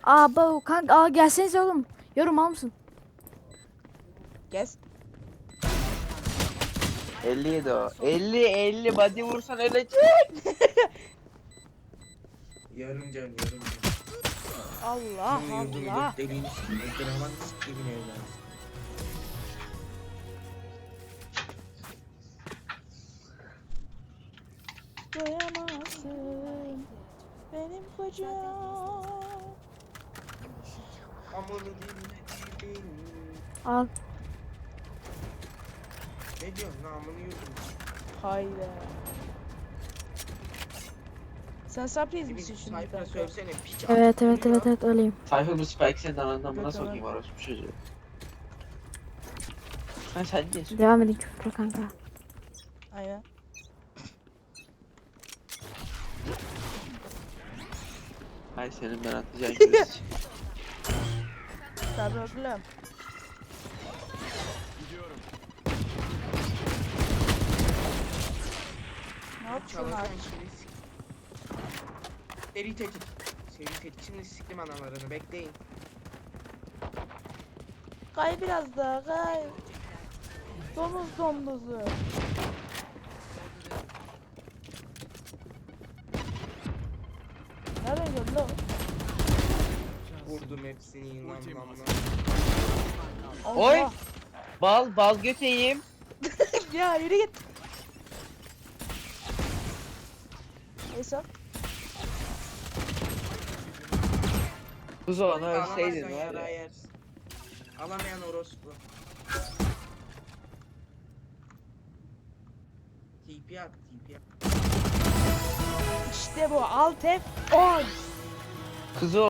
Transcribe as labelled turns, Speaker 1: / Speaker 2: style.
Speaker 1: Bu kanka gelsenize oğlum. Yorum al mısın?
Speaker 2: Kes.
Speaker 3: 57 o. 50 body vursan ölecek.
Speaker 4: Yarım can, yarım can.
Speaker 2: Allah
Speaker 4: Bunun yurdunu
Speaker 2: Allah.
Speaker 4: gökdeliğini sikeyim. Draman sikeyim evladım.
Speaker 2: Doyamazsın benim kocam.
Speaker 4: Amını dinledim.
Speaker 1: Al.
Speaker 4: Ne diyorsun lan amını yurdum.
Speaker 2: Hayda. Sen surprise misin
Speaker 4: Bir
Speaker 2: şimdi
Speaker 4: sayfa
Speaker 2: kanka?
Speaker 4: söylesene piç.
Speaker 1: Evet evet
Speaker 4: Duyuyor.
Speaker 1: evet evet öyleyim.
Speaker 3: Sayfa bu Spike senin anandan buna
Speaker 2: Evet,
Speaker 3: sokayım
Speaker 2: evet.
Speaker 3: orospu çocuğu. Ha sen diyorsun.
Speaker 1: Devam edin küfür kanka.
Speaker 2: Aynen.
Speaker 3: Hay senin ben atacağım küresi.
Speaker 2: Tabii oğlum. Ne yapıyorsun
Speaker 4: Çalarken
Speaker 2: abi?
Speaker 4: şimdi sik. Seri tetik. Seri tetik. Şimdi siktim analarını bekleyin.
Speaker 2: Kay biraz daha kay. Domuz domduzu. Nereden gördün lan?
Speaker 4: Vurdum hepsini lan lan lan.
Speaker 3: Oy!
Speaker 2: Allah.
Speaker 3: Bal göteyim.
Speaker 2: Ya yürü git. Neyse.
Speaker 3: Kuzu onu
Speaker 4: Alamazsan
Speaker 3: ölseydin var
Speaker 4: yara
Speaker 3: ya.
Speaker 4: yersin. Alamayan orospu. TP at, TP at.
Speaker 2: İşte bu alt F10.
Speaker 3: Kuzu